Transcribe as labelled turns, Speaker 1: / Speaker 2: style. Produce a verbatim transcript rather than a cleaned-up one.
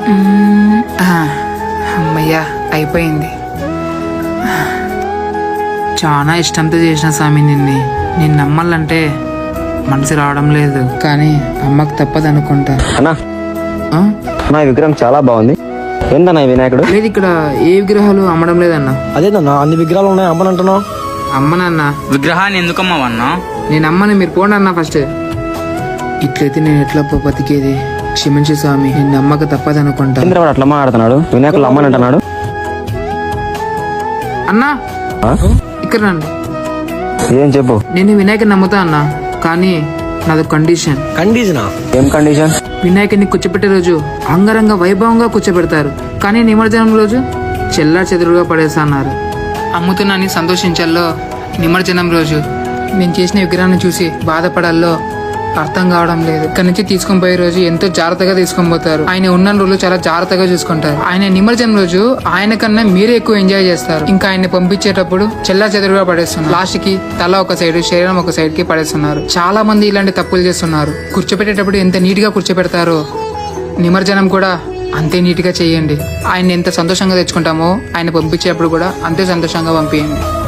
Speaker 1: మ్మ్. ఆ, అమ్మయ్యా అయిపోయింది. చాలా ఇష్టంతో చేసిన స్వామి నిన్ను నేను నమ్మాలంటే మనసు రావడం లేదు, కానీ అమ్మకు తప్పదు అనుకుంటా.
Speaker 2: అన్నా
Speaker 1: ఆ?
Speaker 2: నా విగ్రహం చాలా బాగుంది. ఏందన్నా ఈ వినాయకుడు?
Speaker 1: లేదు, ఇక్కడ ఏ విగ్రహాలు అమ్మడం లేదన్నా.
Speaker 3: అదేనన్నా అన్ని విగ్రహాలు ఉన్నాయి అమ్మనంటున్నావు.
Speaker 1: అమ్మనన్నా.
Speaker 4: విగ్రహాన్ని ఎందుకమ్మవన్నా?
Speaker 1: నేను అమ్మని, మీరు పోండి అన్నా ఫస్ట్. ఇట్లయితే నేను ఎట్లా పో బతికేది? క్షమించు స్వామి, నేను నమ్మక తప్పదు అనుకుంటా.
Speaker 2: ఇంద్రవాడు అట్లా మాట్లాడుతున్నాడు, వినాయకుడు అమ్మని అంటున్నాడు.
Speaker 1: అన్నా
Speaker 2: ఆ?
Speaker 1: ఇక్కడ రండి.
Speaker 2: ఏం చెప్పు.
Speaker 1: నేను వినాయకుని నమ్ముతా అన్నా, కానీ నాది కండిషన్.
Speaker 3: కండిషనా?
Speaker 2: ఏం కండిషన్?
Speaker 1: వినాయకుడిని కూర్చోబెట్టే రోజు అంగరంగ వైభవంగా కూర్చోబెడతారు, కానీ నిమజ్జనం రోజు చెల్లా చెదురుగా పడేస్తా అన్నారు. అమ్ముతున్నాని సంతోషించాల్లో, నిమజ్జనం రోజు నేను చేసిన విగ్రహాన్ని చూసి బాధపడాల్లో అర్థం కావడం లేదు. ఇక్కడ నుంచి తీసుకొని పోయే రోజు ఎంతో జాగ్రత్తగా తీసుకొని పోతారు. ఆయన ఉన్న రోజులు చాలా జాగ్రత్తగా చూసుకుంటారు. ఆయన నిమజ్జనం రోజు ఆయన కన్నా మీరే ఎక్కువ ఎంజాయ్ చేస్తారు. ఇంకా ఆయన్ని పంపించేటప్పుడు చెల్లా చెదురుగా పడేస్తున్నారు. లాస్ట్ కి తల ఒక సైడ్, శరీరం ఒక సైడ్ కి పడేస్తున్నారు. చాలా మంది ఇలాంటి తప్పులు చేస్తున్నారు. కూర్చోపెట్టేటప్పుడు ఎంత నీట్ గా కూర్చోపెడతారో నిమజ్జనం కూడా అంతే నీట్ గా చేయండి. ఆయన ఎంత సంతోషంగా తెచ్చుకుంటామో ఆయన పంపించేటప్పుడు కూడా అంతే సంతోషంగా పంపించండి.